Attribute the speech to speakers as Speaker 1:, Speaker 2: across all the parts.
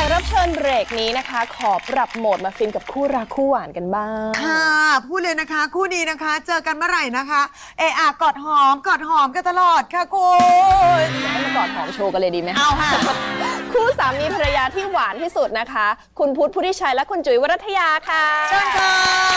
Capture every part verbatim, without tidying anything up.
Speaker 1: กรับเชิญเบรกนี้นะคะขอปรับโหมดมาฟินกับคู่รักคู่หวานกันบ้าง
Speaker 2: ค่ะพูดเลยนะคะคู่นี้นะคะเจอกันเมื่อไหร่นะคะเอออะกอดหอมกอดหอมกันตลอดค่ะคุณ
Speaker 1: ให้มากอดหอมโชว์กันเลยดีไหม
Speaker 2: เอาค่ะ
Speaker 1: คู่สามีภรรยาที่หวานที่สุดนะคะคุณพุทธพุทธิชัยและคุณจุ๋ยวรัตยาค่ะ
Speaker 2: เชิญค่ะ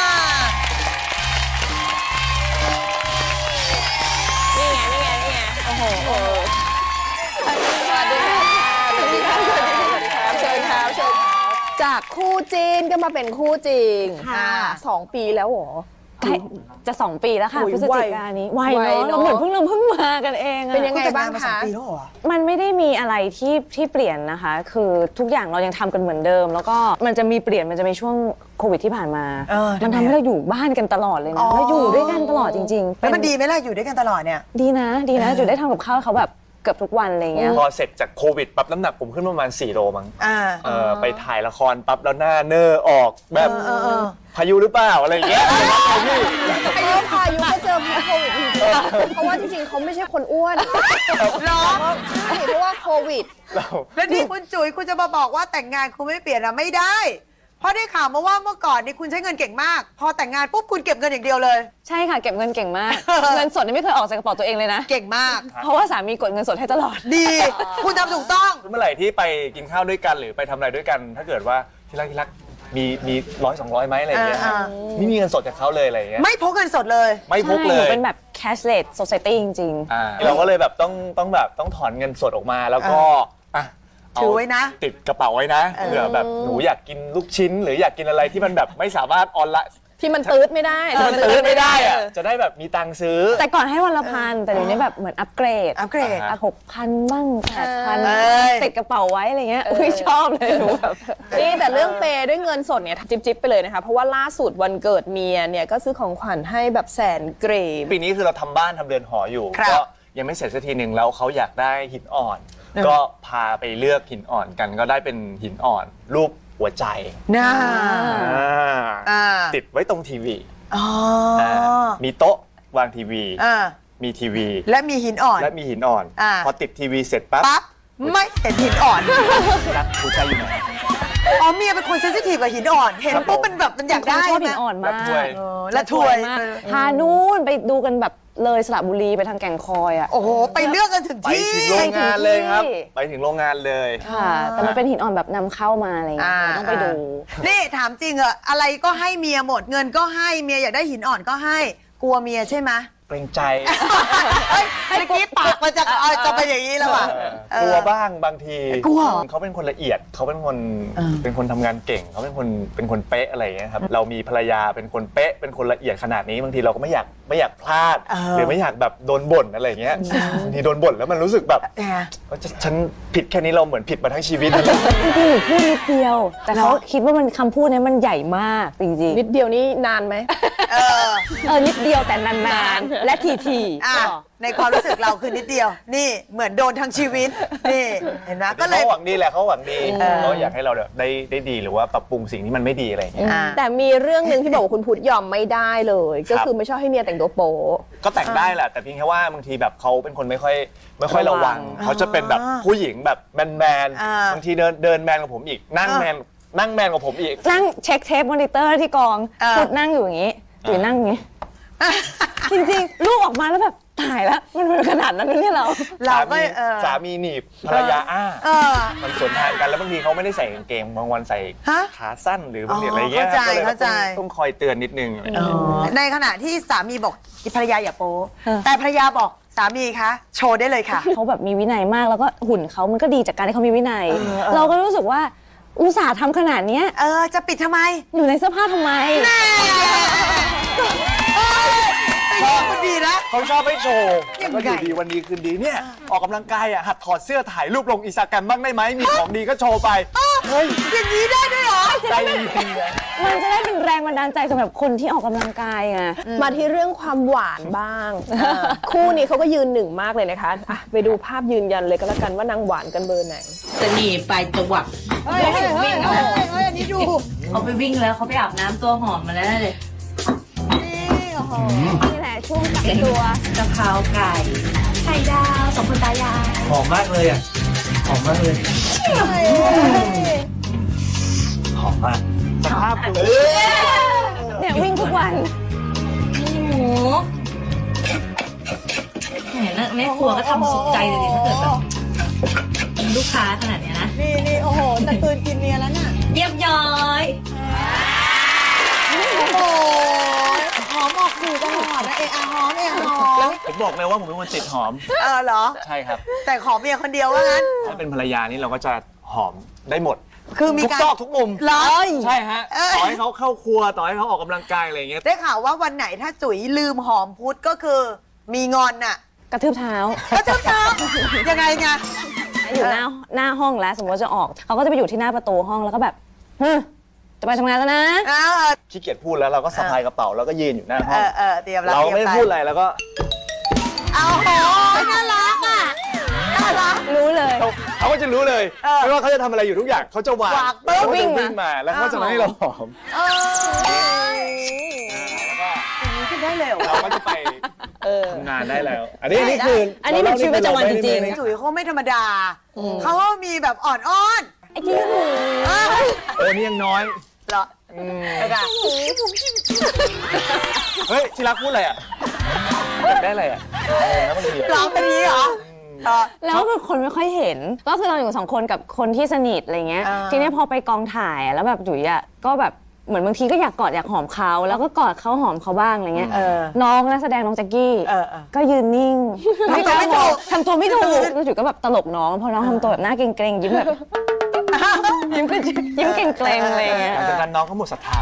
Speaker 1: นี่ไงนี่ไงนี่ไงโอ้โหสวัสดีค่ะสวัสดีค่ะสวัสดีค่ะสวัสดีค่ะเชิญครับเชิญจากคู่จีนก็มาเป็นคู่จริงค่ะสองปีแล้วหรอ
Speaker 3: จะสองปีแล้วค่ะพฤศจิกายนนี้ไวเนาะเราเหมือนเพิ่งเราเพิ่งมากันเอง
Speaker 1: เป็นยังไงบ้างคะ
Speaker 3: มันไม่ได้มีอะไรที่ที่เปลี่ยนนะคะคือทุกอย่างเรายังทำกันเหมือนเดิมแล้วก็มันจะมีเปลี่ยนมันจะมีช่วงโควิดที่ผ่านมามันทำให้เราอยู่บ้านกันตลอดเลยนะเราอยู่ด้วยกันตลอดจริง
Speaker 2: ๆแล้วมันดีไหมล่ะอยู่ด้วยกันตลอดเนี่ย
Speaker 3: ดีนะดีนะอยู่ได้ทำกับข้าวเขาแบบเกือบทุกวันอะไรเงี้ย
Speaker 4: พอเสร็จจากโควิดปั๊บน้ำหนักผมขึ้นประมาณสี่โลมั้งไปถ่ายละครปั๊บแล้วหน้าเนอออกแบบพายุหรือเปล่าอะไรอย่างเงี้ย
Speaker 1: พายุพายุก็เจอพายุโควิดจริงๆเพราะว่าจริงๆเขาไม่ใช่คนอ้วน
Speaker 2: หรอ
Speaker 1: ใช่เพราะว่าโควิด
Speaker 2: แล้วนี่คุณจุ๋ยคุณจะมาบอกว่าแต่งงานคุณไม่เปลี่ยนอะไม่ได้เพราะได้ข่าวมาว่าเมื่อก่อนนี่คุณใช้เงินเก่งมากพอแต่งงานปุ๊บคุณเก็บเงินอย่างเดียวเลย
Speaker 3: ใช่ค่ะเก็บเงินเก่งมากเงินสดนี่ไม่เคยออกจากกระเป๋าตัวเองเลยนะ
Speaker 2: เก่งมาก
Speaker 3: เพราะว่าสามีกดเงินสดให้ตลอด
Speaker 2: ดีคุณทำถูกต้อง
Speaker 4: เมื่อไหร่ที่ไปกินข้าวด้วยกันหรือไปทำอะไรด้วยกันถ้าเกิดว่าที่รักที่รักมีมีร้อยสองร้อยไหมอะไรอย่างเงี้ยไม่มีเงินสดจากเขาเลยอะไรอย่างเงี้ย
Speaker 2: ไม่พกเงินสดเลย
Speaker 4: ไม่พกเลย
Speaker 3: เป็นแบบ cashless society จริง
Speaker 4: ๆเราก็เลยแบบต้องต้องแบบต้องถอนเงินสดออกมาแล้วก็
Speaker 2: ถือไว้นะ
Speaker 4: ติดกระเป๋าไว้นะเผื่อแบบหนูอยากกินลูกชิ้นหรืออยากกินอะไรที่มันแบบไม่สามารถออนไลน์
Speaker 1: ที่มันตื้ดไม่ได้
Speaker 4: ที่มันตื้ดไม่ได้อะจะได้แบบมีตังค์ซื้อ
Speaker 3: แต่ก่อนให้วันละพันแต่เดี๋ยวนี้แบบเหมือนอัปเกรด
Speaker 2: อัปเกรด
Speaker 3: หกพันบ้างแปดพันติดกระเป๋าไว้อะไรเงี้ยอุ้ยชอบเลยหนูแบบ
Speaker 1: นี่แต่เรื่องเปย์ด้วยเงินสดเนี่ยจิ๊บๆไปเลยนะคะเพราะว่าล่าสุดวันเกิดเมียเนี่ยก็ซื้อของขวัญให้แบบแสนเกรด
Speaker 4: ปีนี้คือเราทำบ้านทำเรือนหออยู่ก็ยังไม่เสร็จสักทีหนึ่งแล้วเขาอยากได้หินอ่อนก็พาไปเลือกหินอ่อนกันก็ได้เป็นหินอ่อนรูปหัวใจ
Speaker 2: น่า
Speaker 4: ติดไว้ตรงทีวีมีโต๊ะวางทีวีมีทีวี
Speaker 2: และมีหินอ่อน
Speaker 4: และมีหินอ่อนพอติดทีวีเสร็จปั๊บ
Speaker 2: ปั๊บไม่เห็นหินอ่อน
Speaker 4: รักหัวใจอยู่ไหน
Speaker 2: อ๋อเมียเป็นคนเซนซิทีฟกับหินอ่อนเห็นปุ๊บมันแบบมันอยากได้
Speaker 3: ชอบหินอ่อนมาก
Speaker 2: และถวย
Speaker 3: พานู่นไปดูกันแบบเลยสระบุรีไปทางแก่งคอยอ่ะ
Speaker 2: โอ้โหไปเลือกกันถึงที่
Speaker 4: ไปถึงโรงงานเลยครับไปถึงโรงงานเลย
Speaker 3: ค่ะแต่มันเป็นหินอ่อนแบบนำเข้ามาอะไรอย่างเงี้ยต้องไปดู
Speaker 2: นี่ถามจริงเหรออะไรก็ให้เมียหมดเงินก็ให้เมียอยากได้หินอ่อนก็ให้กลัวเมียใช่ไหม
Speaker 4: เกรงใจ
Speaker 2: เมื่อกี้ปากมันจะจะเป็นอย่างนี้แล้วอ่ะ
Speaker 4: กลัวบ้างบางที
Speaker 2: กลัว
Speaker 4: เขาเป็นคนละเอียดเขาเป็นคนเป็นคนทำงานเก่งเขาเป็นคนเป็นคนเป๊ะอะไรอย่างเงี้ยครับเรามีภรรยาเป็นคนเป๊ะเป็นคนละเอียดขนาดนี้บางทีเราก็ไม่อยากไม่อยากพลาดหรือไม่อยากแบบโดนบ่นอะไรอย่างเงี้ยบางทีโดนบ่นแล้วมันรู้สึกแบบว่าฉันผิดแค่นี้เราเหมือนผิดมาทั้งชีวิต
Speaker 3: จริงๆหนูพูดนิดเดียวแต่เขาคิดว่ามันคำพูดนี้มันใหญ่มากจริงๆ
Speaker 1: นิดเดียวนี่นานไหม
Speaker 3: เออเออนิดเดียวแต่นานๆและที
Speaker 2: ๆในความรู้สึกเราคือนิดเดียวนี่เหมือนโดนทั้งชีวิตนี่เห็นไหมก็เลย
Speaker 4: เขาหวังดีแหละเขาหวังดีเขาอยากให้เราได้ได้ดีหรือว่าปรับปรุงสิ่งที่มันไม่ดีอะไรอย่างเงี้ย
Speaker 1: แต่มีเรื่องนึงที่บอกว่าคุณพุทธยอมไม่ได้เลยก็คือไม่ชอบให้เมียแต่งตัวโป๊
Speaker 4: ก็แต่งได้แหละแต่เพียงแค่ว่าบางทีแบบเขาเป็นคนไม่ค่อยไม่ค่อยระวังเขาจะเป็นแบบผู้หญิงแบบแมนแมนบางทีเดินเดินแมนกับผมอีกนั่งแมนนั่งแมนกับผมอีก
Speaker 3: นั่งเช็คเทปมอนิเตอร์ที่กองพุทธนั่งอยู่อย่างงี้หรือนั่งอย่างงี้จริงๆลูกออกมาแล้วแบบตายแล้วมันเป็นขนาดนั้นเนี่ยเรา
Speaker 4: เราก็สามีหนีบภรรยาอ้ามันสวนทางกันแล้วบางทีเขาไม่ได้ใส่กางเกงบางวันใส่ขาสั้นหรือบางทีอะไรเงี้ย
Speaker 2: เข้าใจ
Speaker 4: ต้องคอยเตือนนิดนึง
Speaker 2: ในขณะที่สามีบอกภรรยาอย่าโป๊แต่ภรรยาบอกสามีคะโชว์ได้เลยค่ะ
Speaker 3: เขาแบบมีวินัยมากแล้วก็หุ่นเขามันก็ดีจากการที่เขามีวินัยเราก็รู้สึกว่าอุตส่าห์ทำขนาดนี้
Speaker 2: เออจะปิดทำไม
Speaker 3: อยู่ในเสื้อผ้าทำไม
Speaker 4: ชอบมันดีนะเขาชอบให้โชว์แล้วก็อยู่ดีวันดีคืนดีเนี่ยออกกำลังกายอ่ะหัดถอดเสื้อถ่ายรูปลงอินสตาแกรมบ้างได้ไหมมีของดีก็โชว์ไป
Speaker 2: เฮ้ยอย่างนี้ได้ด้วยเหรอ
Speaker 4: ได้จริง
Speaker 3: ๆมันจะได้เป็นแรงบันดาลใจสำหรับคนที่ออกกำลังกายไง
Speaker 1: มาที่เรื่องความหวานบ้างคู่นี้เขาก็ยืนหนึ่งมากเลยนะคะไปดูภาพยืนยันเลยก็แล้วกันว่านางหวานกันเบอร์ไหน
Speaker 5: จะหนีไปจังหวัด
Speaker 2: เฮ้ยเฮ้ยเฮ้ยเฮ้ยอันนี้ดู
Speaker 5: เขาไปวิ่งแล้วเขาไปอาบน้ำตัวหอมมาแล้วเลย
Speaker 3: นี่แหละช่วงกักตัว
Speaker 5: กะเพราไก่ไข่ดาวสองคนตายาย
Speaker 4: หอมมากเลยอ่ะหอมมากเลยหอมมากสภาพคุณ
Speaker 3: เนี่ยวิ่งทุกวัน
Speaker 5: หมูแหมแล้วแม่ครัวก็ทำสุดใจเลยดิถ้าเกิดแบบเป็นลูกค้าขนาดเนี้ยนะ
Speaker 2: นี่นี่โอ้โหตะกืนกินเมียแล้วน่ะ
Speaker 5: เรียบร้อย
Speaker 2: โอ้โหหอมออกสื่อตลอดนะเอะอะหอมเอะอะหอม
Speaker 4: ผมบอกเลยว่าผมเป็นคนติดหอม
Speaker 2: เออเหรอ
Speaker 4: ใช่ครับ
Speaker 2: แต่ขอเมียคนเดียวว่างั้น
Speaker 4: ถ้าเป็นภรรยานี่เราก็จะหอมได้หมด
Speaker 2: คือมี
Speaker 4: ทุก
Speaker 2: การ
Speaker 4: ซอกทุกมุม
Speaker 2: เหรอ
Speaker 4: ใช่ฮะ
Speaker 2: เอ้ย
Speaker 4: ต่อให้เขาเข้าครัวต่อให้เขาออกกำลังกายอะไรอย่างเงี้ย
Speaker 2: ได้ข่าวว่าวันไหนถ้าจุ๋ยลืมหอมพุทธก็คือมีงอนน่ะ
Speaker 3: กระทืบเท้า
Speaker 2: ก็จะทำยังไงไง
Speaker 3: อยู่หน้าหน้าห้องแล้วสมมติว่าจะออกเขาก็จะไปอยู่ที่หน้าประตูห้องแล้วก็แบบเฮ้ยจะไปทำงานแล้วนะ
Speaker 2: เออ
Speaker 4: ขี้เกียจพูดแล้วเราก็สะพายกระเป๋าแล้วก็ยืนอยู่หน้าห้
Speaker 2: เอ
Speaker 4: อง
Speaker 2: อเออเตรียมแล้ว
Speaker 4: เราไม่
Speaker 2: ตย
Speaker 4: ได้
Speaker 2: ป
Speaker 4: พูดอะไรแล้วก็
Speaker 2: เอาโหน่ารักอ่ะน่ารัก
Speaker 3: รู้เลย
Speaker 4: เขาเขาก็จะรู้เลย
Speaker 2: เออ
Speaker 4: ไม่ว่าเขาจะทำอะไรอยู่ทุกอย่างเขาจะวาง
Speaker 2: วางปุ๊บ
Speaker 4: เขา
Speaker 3: วิ่
Speaker 4: จะ
Speaker 3: งมา
Speaker 4: วิ่งมาแล้วเขาจะมาให้เราหอม
Speaker 2: เออ
Speaker 4: แล้วก็
Speaker 2: อย่างนี้ขึ้นได้เลยเหรอ
Speaker 4: เราก็จะไป
Speaker 1: เออ
Speaker 4: ทำงานได้แล้ว อันนี้อันนี้คือ
Speaker 3: อั
Speaker 4: อั
Speaker 3: นนี้เป็นชีวิตประจำวันจริง
Speaker 2: จุ๋ยเขาไม่ธรรมดา เขาก็มีแบบอ่อนอ้อน
Speaker 3: ไอ้ที่หนู
Speaker 2: เออ
Speaker 4: เออนี่ยังน้อย
Speaker 2: เหรอ
Speaker 4: อืม
Speaker 2: เออค่ะ
Speaker 4: เฮ้ยที่รักพูดอะไรอ่ะอยากได้อะไรอ่ะเออแล้วบางทีอะ
Speaker 2: ร้องไปนี้เหรอเออ
Speaker 3: แล้วคือคนไม่ค่อยเห็น ก็คือเราอยู่สองคนกับคนที่สนิทอะไรเงี้ย
Speaker 2: อ่า
Speaker 3: ทีนี้พอไปกองถ่ายอะแล้วแบบจุ๋ยอ่ะก็แบบเหมือนบางทีก็อยากกอดอยากหอมเขาแล้วก็กอดเขาหอมเขาบ้างอะไรเงี้ย
Speaker 2: เออ
Speaker 3: น้องนักแสดงน้องแจ็คกี้
Speaker 2: เออเออ
Speaker 3: ก็ยืนนิ่ง
Speaker 2: ทำตัวไม่ถูก
Speaker 3: ทำตัวไม่ถูกแล้วจุ๋ยก็แบบตลกน้องพอน้องทำตัวแบบหน้าเกรงๆยิ้มแบบ ยิ้มก็ยิ้มเกรงๆอะไรเงี้ย
Speaker 4: หลังจากนั้นน้องเขาหมดศรัทธา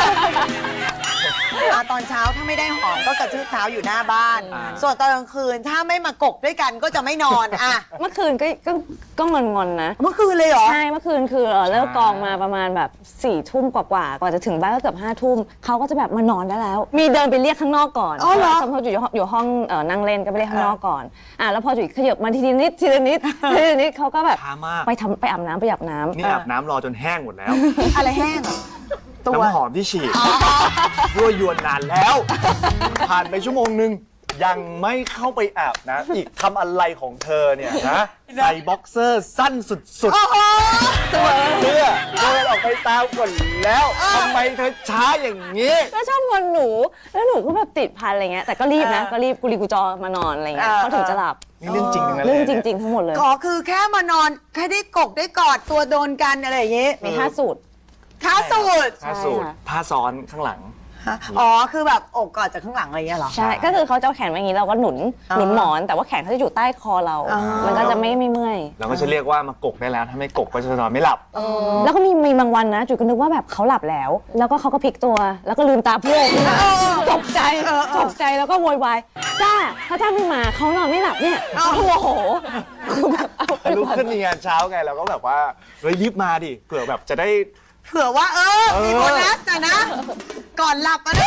Speaker 2: อ่ะตอนเช้าถ้าไม่ได้หอมก็กระชืบเท้าอยู่หน้าบ้าน
Speaker 4: อ่า
Speaker 2: ส่วนตอนกลางคืนถ้าไม่มากกด้วยกันก็จะไม่นอนอ่ะ
Speaker 3: เมื่อคืนก็ก็ก็งอนๆนะ
Speaker 2: เมื่อคืนเลยเหรอ
Speaker 3: ใช่เมื่อคืนคือเอ่อเลิกกองมาประมาณแบบสี่ทุ่มกว่าๆกว่าจะถึงบ้านก็เกือบห้าทุ่มเขาก็จะแบบมานอนได้แล้ว มีเดินไปเรียกข้างนอกก่อน
Speaker 2: อ๋อเหรอ
Speaker 3: สมมติอยู่อยู่ห้องเอ่อนั่งเล่นก็ไปเรียกข้างนอกก่อนอ่ะแล้วพอจุ๋ยขยับมาทีละนิดทีละนิดทีละนิดเขาก็แบบ
Speaker 4: ช้ามาก
Speaker 3: ไปทำไปอาบน้ำไปอาบน้ำ
Speaker 4: นี่อาบน้ำรอจนแห้งหมดแล้ว
Speaker 2: อะไรแห้งอ่ะตัว
Speaker 4: น้ำหอมที่ฉีดยั่วยวนนานแล้ว ผ่านไปชั่วโมงหนึ่งยังไม่เข้าไปอาบนะ อีกทำอะไรของเธอเนี่ยนะใส่บ็อกเซอร์สั้นสุดๆตัวเสื้อเดินออกไปตามก่อนแล้วทำไมเธอช้าอย่างนี้
Speaker 3: แล้วชอบงอนหนูแล้วหนูก็แบบติดพันอะไรเงี้ยแต่ก็รีบนะก็รีบกุลีกุจอมานอนอะไรเงี้ยเขาถึงจะหลับ
Speaker 4: นี่เรื่องจริงทั้งนั้นเลย
Speaker 3: เรื่องจริง ๆ ทั้งหมดเลย
Speaker 2: ขอคือแค่มานอนแค่ได้กกได้กอดตัวโดนกันอะไรอย่างงี้
Speaker 3: มีห้าสูตร
Speaker 2: ท้าสูตร
Speaker 4: ผ้าสูทผ้าซ้อนข้างหลัง
Speaker 2: ฮะอ๋อคือแบบอกกอดจากข้างหลังอะไรอย่างเงี้ยเหรอ
Speaker 3: ใช่ ก็คือเขาจะเอาแขนไว้อย่างนี้เราก็หนุน
Speaker 2: อ่า
Speaker 3: หนุนหมอน แต่ว่าแขนเขาจะอยู่ใต้คอเรา
Speaker 2: อ่ามั
Speaker 3: มันก็จะไม่ไม่เมื่อย
Speaker 4: เราก็จะเรียกว่ามากกได้แล้ว ถ้าไม่กกก็จะนอนไม่หลับ
Speaker 3: แล้วก็มีมีบางวันนะจุ๋ยก็นึกว่าแบบเขาหลับแล้ว แล้วก็เขาก็พลิกตัว แล้วก็ลืมตาโพร่งขึ้นมาตกใจตกใจแล้วก็โวยวายจ้าถ้าจ้าไม่มาเขานอนไม่หลับเนี่ยเขาโมโหคือแบบเอาไป
Speaker 4: ลุก
Speaker 3: ก่อน
Speaker 4: ขึ้นมีงานเช้าไงเราก็แบบว่าเฮ้ยรีบมาดิเผื่อแบบจะได้
Speaker 2: เผื่อว่าเออ มีโบนัสนะนะ ก่อนหลับอะนะ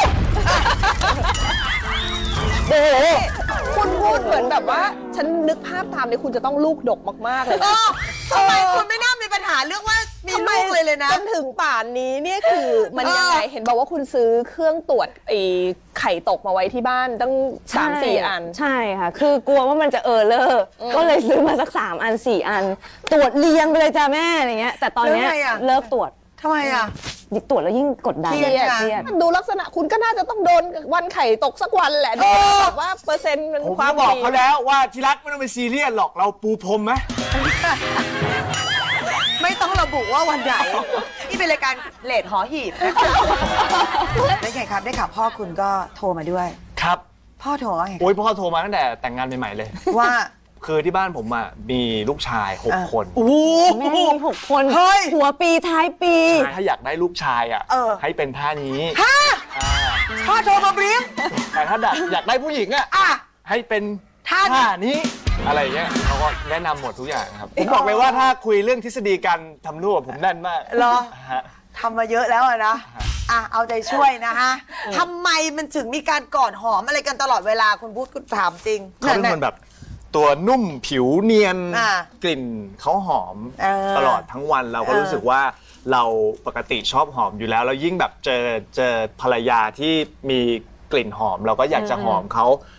Speaker 1: โอ้โหคุณพูดเหมือนแบบว่า ฉันนึกภาพตามเลยคุณจะต้องลูกดกมาก ๆ เลย
Speaker 2: เอ
Speaker 1: นะ
Speaker 2: อทำไมคุณไม่น่ามีปัญหาเรื่องว่ามีลูกเลยเลยนะ
Speaker 1: จนถึงป่านนี้เนี่ยคือมันยังไง
Speaker 2: เออ
Speaker 1: เห็นบอกว่าคุณซื้อเครื่องตรวจไอ้ไข่ตกมาไว้ที่บ้านตั้งสามสี่อัน
Speaker 3: ใช่ค่ะ คือกลัวว่ามันจะเออเลอร์ก็เลยซื้อมาสักสามอันสี่อัน ตรวจเรียงไปเลยจ้าแม่อะไรเงี้ยแต่ตอนเนี้ย
Speaker 2: แล้วไงอะ
Speaker 3: เลิกตรวจ
Speaker 2: ทำไมอ่ะ
Speaker 3: ตรวจแล้วยิ่งกดดัน
Speaker 2: เครียด
Speaker 3: เครียด
Speaker 1: ดูลักษณะคุณก็น่าจะต้องโดนวันไข่ตกสักวันแหละดูแบบว่าเปอร์เซ็นต์มัน
Speaker 4: ผม
Speaker 1: ควา
Speaker 4: ก็
Speaker 1: ม
Speaker 4: บอก
Speaker 1: ดี
Speaker 4: เขาแล้วว่าที่รักไม่ต้องไปซีเรียสหรอกเราปูพรมไหม
Speaker 2: ไม่ต้องระบุว่าวันไหน นี่เป็นรายการเลดหอหีบนะคะได้ไงครับ ได้ข่าวพ่อคุณก็โทรมาด้วย
Speaker 4: ครับ
Speaker 2: พ่อโทรว่าไง
Speaker 4: โอ้ยพ่อโทรมาตั้งแต่แต่งงานใหม่ๆเลย
Speaker 2: ว่า
Speaker 4: คือที่บ้านผมอ่ะมีลูกชายหก
Speaker 2: อ่ะ
Speaker 4: คน
Speaker 2: โอ้โห
Speaker 3: แม่มีหกคน
Speaker 2: เฮ้ย
Speaker 3: หัวปีท้ายปี
Speaker 4: ถ้าอยากได้ลูกชายอ่ะ
Speaker 2: เออ
Speaker 4: ให้เป็นท่านี้
Speaker 2: ฮะ
Speaker 4: อ่า
Speaker 2: พ่อโทรมาบรีฟ
Speaker 4: แต่ถ้าอยากได้ผู้หญิงอ่ะ
Speaker 2: อ่ะ
Speaker 4: ให้เป็น
Speaker 2: ท่า
Speaker 4: ท่านี้อะไรเงี้ยเขาก็แนะนำหมดทุกอย่างครับผมบอกเลยว่าถ้าคุยเรื่องทฤษฎีการทำลูกผมแน่นมาก
Speaker 2: เหรอ
Speaker 4: ฮะ
Speaker 2: ทำมาเยอะแล้วอะนะ อ่ะ เอาใจช่วยนะฮะทำไมมันถึงมีการกอดหอมอะไรกันตลอดเวลาคุณพูดคุณถามจริง
Speaker 4: เขาเป็นคนแบบตัวนุ่มผิวเนียน
Speaker 2: อ่ะ
Speaker 4: กลิ่นเขาหอม
Speaker 2: เออ
Speaker 4: ตลอดทั้งวันเราก็
Speaker 2: เออ
Speaker 4: รู้สึกว่าเราปกติชอบหอมอยู่แล้วแล้วยิ่งแบบเจอเจอภรรยาที่มีกลิ่นหอม เราก็อยากจะหอมเขา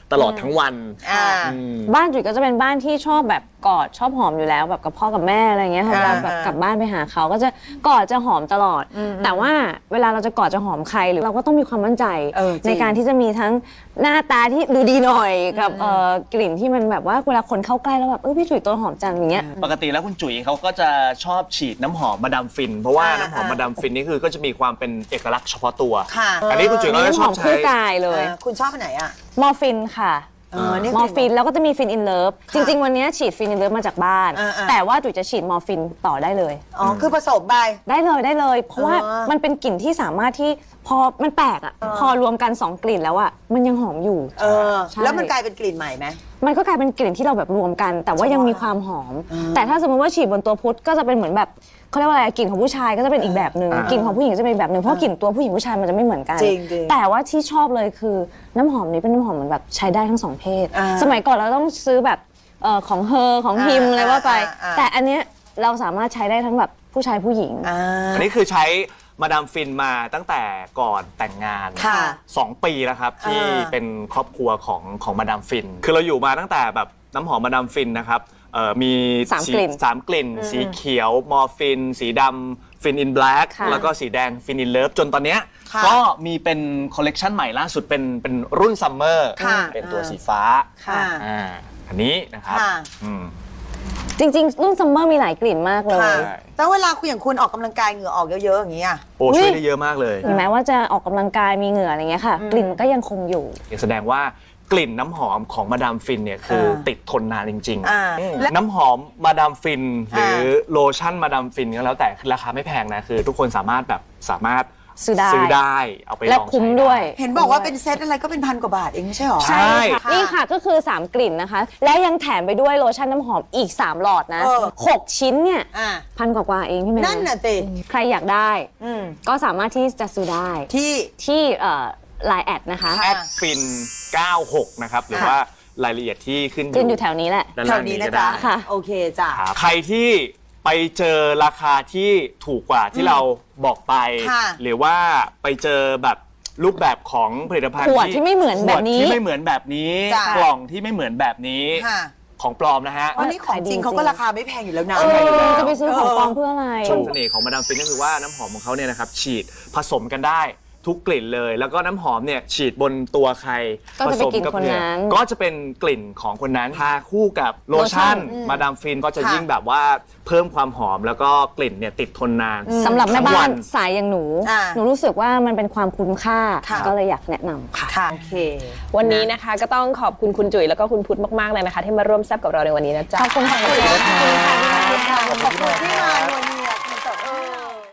Speaker 4: ตลอดทั้งวัน
Speaker 2: อ่า
Speaker 4: อืม
Speaker 3: บ้านจุ๋ยก็จะเป็นบ้านที่ชอบแบบกอดชอบหอมอยู่แล้วแบบกับพ่อกับแม่อะไรเงี้ยค่ะเวลาแบบ
Speaker 2: อ่า
Speaker 3: กลับบ้านไปหาเขาก็จะกอดจะหอมตลอด แต่ว่าเวลาเราจะกอดจะหอมใครหรือเราก็ต้องมีความมั่นใจ
Speaker 2: เออจริง
Speaker 3: ในการที่จะมีทั้งหน้าตาที่ดูดีหน่อยกับเอ่อกลิ่นที่มันแบบว่าเวลาคนเข้าใกล้แล้วแบบเออพี่จุ๋ยตัวหอมจังอย่างเงี้ย
Speaker 4: ปกติแล้วคุณจุ๋ยเขาก็จะชอบฉีดน้ำหอมมาดามฟิน เพราะว่า
Speaker 2: อ่า
Speaker 4: น้ำหอมมาดามฟินนี่คือก็จะมีความเป็นเอกลักษณ์เฉพาะตัว
Speaker 2: ค่ะ
Speaker 4: อันนี้คุณจุ๋ยก็จะ
Speaker 3: น้ำ
Speaker 4: ช
Speaker 3: ห
Speaker 4: อ
Speaker 3: อบ ม
Speaker 4: ใช้
Speaker 3: คู่กายเลย
Speaker 2: อ่าคุณชอบอันไหนอ่ะ
Speaker 3: มอร์ฟินค่ะ
Speaker 2: เออนี่
Speaker 3: มอร์ฟินแล้วก็จะมีฟินอินเลิฟจริง ๆ วันนี้ฉีดฟินอินเลิฟมาจากบ้าน
Speaker 2: อ่าๆ
Speaker 3: แต่ว่าจุ๋ยจะฉีดมอร์ฟินต่อได้เลย
Speaker 2: อ๋อคือผสมไป
Speaker 3: ได้เลยได้เลย เพราะว่า
Speaker 2: อ๋อ
Speaker 3: มันเป็นกลิ่นที่สามารถที่พอมันแปลกอ่ะพอรวมกันสองกลิ่นแล้วอ่ะมันยังหอมอยู่
Speaker 2: เออ
Speaker 3: ใช่
Speaker 2: แล้วมันกลายเป็นกลิ่นใหม่ไหม
Speaker 3: มันก็กลายเป็นกลิ่นที่เราแบบรวมกัน แต่ว่ายังมีความหอม แต่ถ้าสมมติว่าฉีดบนตัวพุทธก็จะเป็นเหมือนแบบเขาเรียกว่าอะไรกลิ่นของผู้ชายก็จะเป็นอีกแบบหนึ่ง
Speaker 4: อ่าก
Speaker 3: ลิ่นของผู้หญิงจะเป็นอีกแบบหนึ่งเพราะกลิ่นตัวผู้หญิงผู้ชายมันจะไม่เหมือนกัน
Speaker 2: จริงๆ
Speaker 3: แต่ว่าที่ชอบเลยคือน้ำหอมนี้เป็นน้ำหอมเหมือนแบบใช้ได้ทั้งสองเพศ
Speaker 2: อ่า
Speaker 3: สมัยก่อนเราต้องซื้อแบบเอ่อของเฮอของฮิม
Speaker 2: อ่า
Speaker 3: อะไรว่าไป
Speaker 2: อ่าอ่า
Speaker 3: แต่อันเนี้ยเราสามารถใช้ได้ทั้งแบบผู้ชายผู้หญิง
Speaker 2: อ่า
Speaker 4: อันนี้คือใช้มาดามฟินมาตั้งแต่ก่อนแต่งงาน
Speaker 2: ค่ะ
Speaker 4: สองปีแล้วครับที่
Speaker 2: อ่า
Speaker 4: เป็นครอบครัวของของมาดามฟิน คือเราอยู่มาตั้งแต่แบบน้ำหอมมาดามฟินนะครับเอ่อมี
Speaker 3: สามกลิ่น
Speaker 4: สามกลิ่น สีเขียวมอร์ฟิน สีดำฟินอินแบล็ก
Speaker 3: ค่ะ
Speaker 4: แล้วก็สีแดงฟินอินเลิฟจนตอนเนี้ย
Speaker 2: ค่ะ
Speaker 4: ก็มีเป็นคอลเลกชันใหม่ล่าสุดเป็นเป็นรุ่นซัมเมอร์
Speaker 2: ค่ะ
Speaker 4: เป็นตัวสีฟ้า
Speaker 2: ค่ะ
Speaker 4: อ่าอันนี้นะครับ
Speaker 2: ค่ะ
Speaker 4: อืม
Speaker 3: จริงๆ รุ่นซัมเมอร์มีหลายกลิ่นมากเลย
Speaker 2: ค่ะ
Speaker 4: ใช่
Speaker 2: แต่เวลาคุณอย่างคุณออกกำลังกายเหงื่อออกเยอะๆอย่างนี้อ่ะ
Speaker 4: โอ้ช่วยได้เยอะมากเลย
Speaker 3: ถึงแม้ว่าจะออกกำลังกายมีเหงื่ออะไรเงี้ยค่ะ กลิ่นมันก็ยังคงอยู่
Speaker 4: แสดงว่ากลิ่นน้ำหอมของมาดามฟินเนี่ยคือติดทนนานจริง
Speaker 2: อ่า
Speaker 4: ๆ
Speaker 2: และ
Speaker 4: น้ำหอมมาดามฟินหรือ
Speaker 2: อ่า
Speaker 4: โลชั่นมาดามฟินก็แล้วแต่คือราคาไม่แพงนะคือทุกคนสามารถแบบสามารถ
Speaker 3: ซื้อได้
Speaker 4: ซื้อได้เอาไปล
Speaker 3: และ
Speaker 4: อง
Speaker 3: คุ้ม
Speaker 4: ใช้
Speaker 3: ด้วย
Speaker 2: เห็นบอกว่าเป็นเซตอะไรก็เป็นพันกว่าบาทเองไม่ใช่หรอ
Speaker 4: ใช่
Speaker 3: ค่ะนี่ค่ะก็คือ สาม กลิ่นนะคะ และยังแถมไปด้วยโลชั่นน้ำหอมอีก สาม หลอดนะ
Speaker 2: เออ
Speaker 3: หก ชิ้นเนี่ย
Speaker 2: อ่า
Speaker 3: พันกว่าๆเองพี่แม่
Speaker 2: นั่นน่ะติ
Speaker 3: ใครอยากได้
Speaker 2: อืม
Speaker 3: ก็สามารถที่จะซื้อได้
Speaker 2: ที่
Speaker 3: ที่ไลน์แอดนะคะ
Speaker 2: ค่ะ
Speaker 4: แอดฟินเก้าหกนะครับหรือว่ารายละเอียดที่ขึ้น
Speaker 3: ขึ้นอยู่แถวนี้แหละ
Speaker 4: ด้าน
Speaker 2: แถ
Speaker 4: ล่าง
Speaker 2: วนี้
Speaker 4: นี้
Speaker 2: นะ
Speaker 4: ก็
Speaker 2: จ๊ะ
Speaker 4: ได้
Speaker 3: ค่ะ
Speaker 2: โอเคจ้ะ
Speaker 4: ครับใครที่ไปเจอราคาที่ถูกกว่าที่เราบอกไป
Speaker 2: ค่ะ
Speaker 4: หรือว่าไปเจอแบบรูปแบบของผลิตภัณฑ์
Speaker 3: ขวดที่ไม่เหมือนแบบนี้
Speaker 4: ขวดที่ไม่เหมือนแบบนี้
Speaker 2: จ้ะ
Speaker 4: กล่องที่ไม่เหมือนแบบนี้
Speaker 2: ค่ะ
Speaker 4: ของปลอมนะฮะ
Speaker 2: วันนี้ของจริงเขาก็ราคาไม่แพงอยู่แล้วนะ
Speaker 3: เออจะไปซื้อของปลอมเพื่ออะไร
Speaker 4: ชมเสน่ห์ของมาดามฟินก็คือว่าน้ำหอมของเขาเนี่ยนะครับฉีดผสมกันได้ทุกกลิ่นเลย แล้วก็น้ำหอมเนี่ยฉีดบนตัวใคร
Speaker 3: ก็จะเป็นกลิ่น
Speaker 4: ผสมบ
Speaker 3: คนนั้น
Speaker 4: เยก็จะเป็นกลิ่นของคนนั้นทาคู่กับโลชั่น
Speaker 3: โลชั่น
Speaker 4: มาดามฟินก็จะ
Speaker 2: ค่ะ
Speaker 4: ยิ่งแบบว่าเพิ่มความหอมแล้วก็กลิ่นเนี่ยติดทนนาน
Speaker 3: สำหรับแม่
Speaker 4: ทั้ง
Speaker 3: บ้า
Speaker 4: วัน
Speaker 3: สายอย่างหนู
Speaker 2: อ่า
Speaker 3: หนูรู้สึกว่ามันเป็นความคุ้มค่า
Speaker 2: ค่ะ
Speaker 3: ก็เลยอยากแนะนำค่ะ
Speaker 2: ค่ะโอเค
Speaker 1: วันนี้นะคะก็ต้องขอบคุณคุณจุ๋ยแล้วก็คุณพุทธมากๆเลยนะคะ ที่มาร่วมแซบกับเราในวันนี้นะจ๊ะ
Speaker 3: ขอบคุณค่ะ